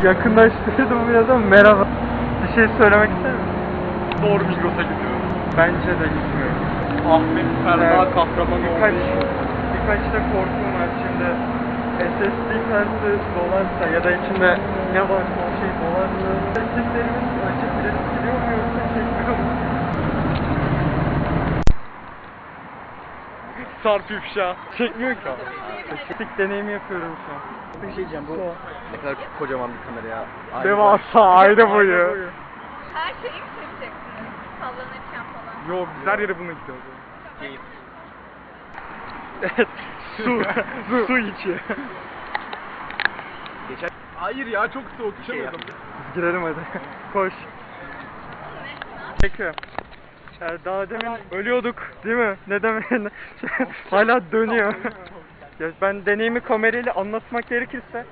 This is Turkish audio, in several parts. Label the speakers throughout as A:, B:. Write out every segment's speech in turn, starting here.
A: Yakınlaştırdım biraz ama merhaba. Bir şey söylemek ister misin?
B: Doğru Migros'a gidiyorum.
A: Bence de gitmiyorum.
B: Ahmet Ferda Kahramanoğlu.
A: Birkaç da korkum var şimdi. SSD kartı dolarsa ya da içinde ne varsa o şey dolarsa SSD'lerimiz açık biraz gidiyor mu yoksa çekmiyor mu?
B: Sarp ifşa. Çekmiyor ki abi.
A: Çektik deneyimi yapıyorum şu an.
C: Bir şey diyeceğim, bu ne kadar kocaman bir kamera ya.
B: Devasa aile boyu.
D: Her şeyi çekeceksiniz. Sallanırken falan.
B: Yo biz her yere bununla gidiyoruz.
C: Keyif.
B: Evet. Su içi.
C: Geçen
B: Hayır ya çok soğuk
C: şey
B: içemedim.
A: Biz girelim hadi. Koş. Çekiyorum. Daha demin ölüyorduk değil mi? Ne demek? Hala dönüyor. Ya ben deneyimi kamerayla anlatmak gerekirse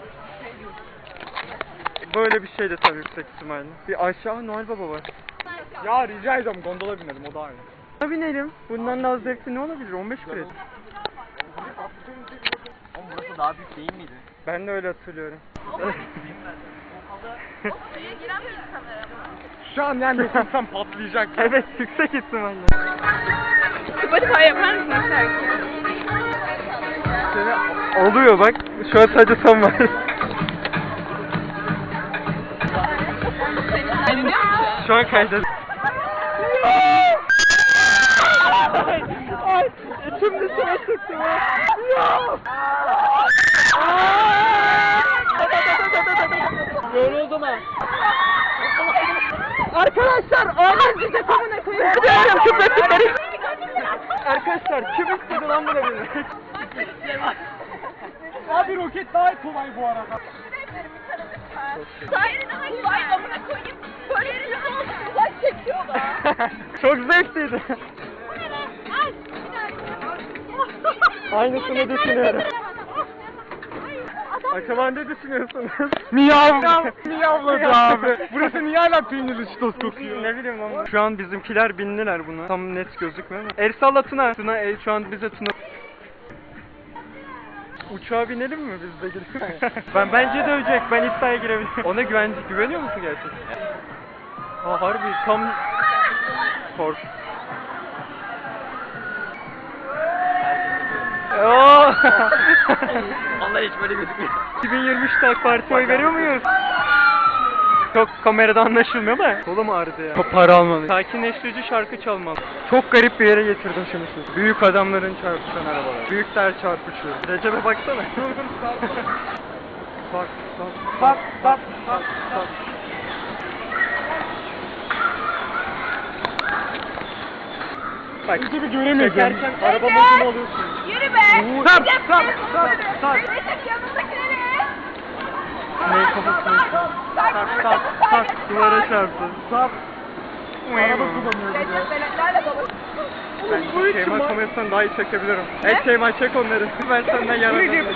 A: böyle bir şeydi tabii yüksek ihtimalle. Bir aşağı Noel Baba var.
B: Ya rica ediyorum gondola binelim o daha iyi.
A: Buna binelim. Bundan daha zevkli ne olabilir? 15 kredi.
C: Oğlum burası daha büyük değil miydi?
A: Ben de öyle hatırlıyorum.
D: Suya giren bir kamera mı?
B: Şu an yani sen patlayacak.
A: Evet yüksek ihtimalle.
D: Spotify yapar mısın şarkı?
A: Oluyor bak. Şu an sadece son var. Şu an kaydet. Ay, içim dışına çıktı ya. Yoruldum ha. Arkadaşlar, ağlar bize kamına koyun. Gidiyorum küpetlikleri. Arkadaşlar, kim istedi lan bunu bilmek?
B: Abi roket daha kolay bu arada.
D: Sahirini hangi bayramına koyayım? Böyle yerine oldu. Uzak çekiyorlar.
A: Çok zevkliydi. Aynısını düşünüyorum. Acaba ne düşünüyorsunuz?
B: Miyavladı abi. Burası niye hala peynirli çitos kokuyor?
A: Ne bileyim ama. Şu an bizimkiler bindiler buna. Tam net gözükmüyor ama. El salla Tuna. Tuna el şu an bize Tuna. Uçağa binelim mi biz de girelim? Bence de ölecek. Ben iddiaya girebilirim. Ona güveniyor musun gerçekten? Ha harbi tam kork. Oo!
C: Vallahi hiç böyle gözükmüyor.
A: 2023'te AK Parti'ye oy veriyor muyuz? Çok kamerada anlaşılmıyor da. Kolum ağrıdı ya. Çok para almalı. Sakinleştirici şarkı çalmalı. Çok garip bir yere getirdim şimdi sizi. Büyük adamların çarpışan arabalar. Büyükler çarpışıyor. Recep'e baksana. Bak, bak. Bak,
B: Recep'i göremedim.
A: çekerken araba modunu alıyorsun.
D: Yürü be!
A: Sar.
D: Recep yanındakileri!
A: Ne kafasını? Tak, duvara çarptı.
B: Sap. Araba kullanıyor bir de.
D: Recep veletlerle dolu.
A: Ben Şeyma kamerasından daha iyi çekebilirim. Hey Şeyma çek onları. Ben senden yararlanırım.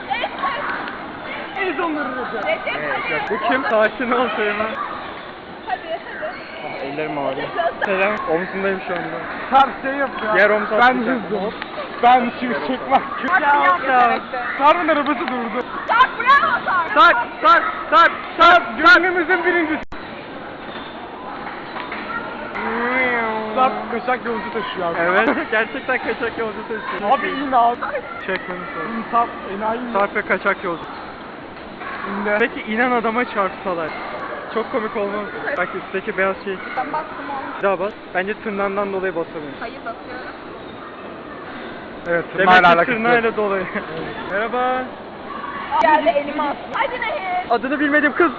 B: Ez onları Recep.
D: Recep
A: Bu kim? Sakin ol Şeyma.
D: hadi.
A: Ah, ellerim ağrıyor. Selam. Omzundayım şu anda.
B: Sarp şey yap ya.
A: Diğer omuz
B: Ben
A: atlayacak.
B: hızlı. Ben şimdi çekmem.
A: Ya.
B: Sarp'ın arabası durdu.
D: Sarp bravo Sarp!
A: Sarp.
B: Gönlümüzün birincisi. Sarp kaçak yolcu taşıyor abi.
A: Evet, gerçekten kaçak yolcu taşıyor.
B: Abi in abi.
A: Çek beni sonra.
B: İn Sarp enayi mi?
A: Sarp ve kaçak yolcu.
B: İnde.
A: Peki inen adama çarpsalar. Çok komik olmaz. Bak üstteki beyaz şey.
D: Ben bastım onu.
A: Bir daha bas. Bence tırnağından dolayı basamıyorum.
D: Hayır basıyorum.
B: Evet
A: Demek
B: tırnağıyla
A: ki
B: alakası yok.
A: tırnağıyla dolayı. Merhaba.
D: Geldi elimi attı. Hadi Nehir.
A: Adını bilmediğim kız.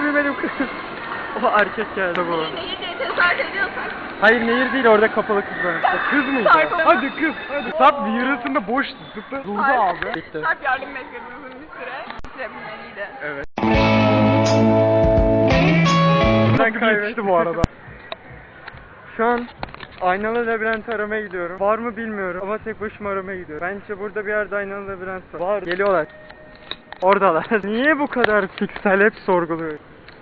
A: O erkek geldi bu.
D: Nehir diye tezahürat ediyorsak.
A: Hayır nehir değil orada kapalı kız var. O kız mıydı?
D: Sarp.
B: Hadi kız hadi. Sarp bir yarısında boş zıpla durdu abi.
A: Bitti.
D: Sarp yardım bekliyorum uzun bir süre. Bitirebilmeliydi.
A: Evet.
B: Çok yetişti bu arada.
A: Şu an aynalı labirent aramaya gidiyorum. Var mı bilmiyorum ama tek başıma aramaya gidiyorum. Bence burada bir yerde aynalı labirent var. Var. Geliyorlar. Oradalar. Niye bu kadar piksel hep sorguluyor?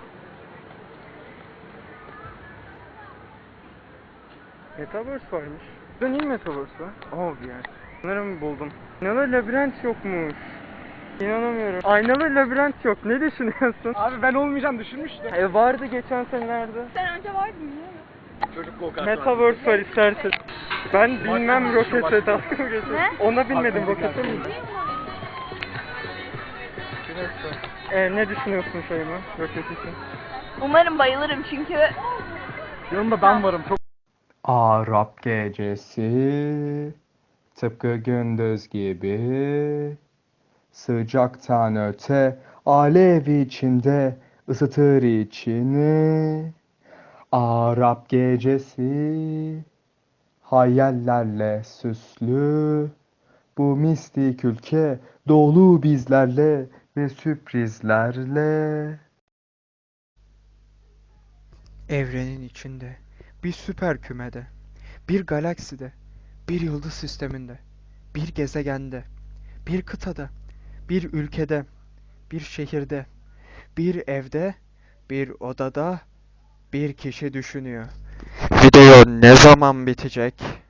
A: Metaverse varmış. Burada niye Metaverse var? Oh bir yer. Sanırım buldum. Aynalı labirent yokmuş. İnanamıyorum. Aynalı labirent yok. Ne düşünüyorsun?
B: Abi ben olmayacağım düşünmüştüm.
A: Vardı geçen senelerde.
D: Sen önce vardın ya.
C: Çocuk go-kart
A: Metaverse var istersen. Ben bilmem rokete dalga mı geçiyorsun?
D: Ne?
A: Ona binmedim rokete mi? Ne düşünüyorsun Şeyma roket için?
D: Umarım bayılırım çünkü
B: Yanımda ben varım çok.
E: Arap gecesi tıpkı gündüz gibi sıcaktan öte alev içinde ısıtır içini. Arap gecesi hayallerle süslü, bu mistik ülke dolu bizlerle ve sürprizlerle.
F: Evrenin içinde, bir süper kümede, bir galakside, bir yıldız sisteminde, bir gezegende, bir kıtada, bir ülkede, bir şehirde, bir evde, bir odada bir kişi düşünüyor. Video ne zaman bitecek?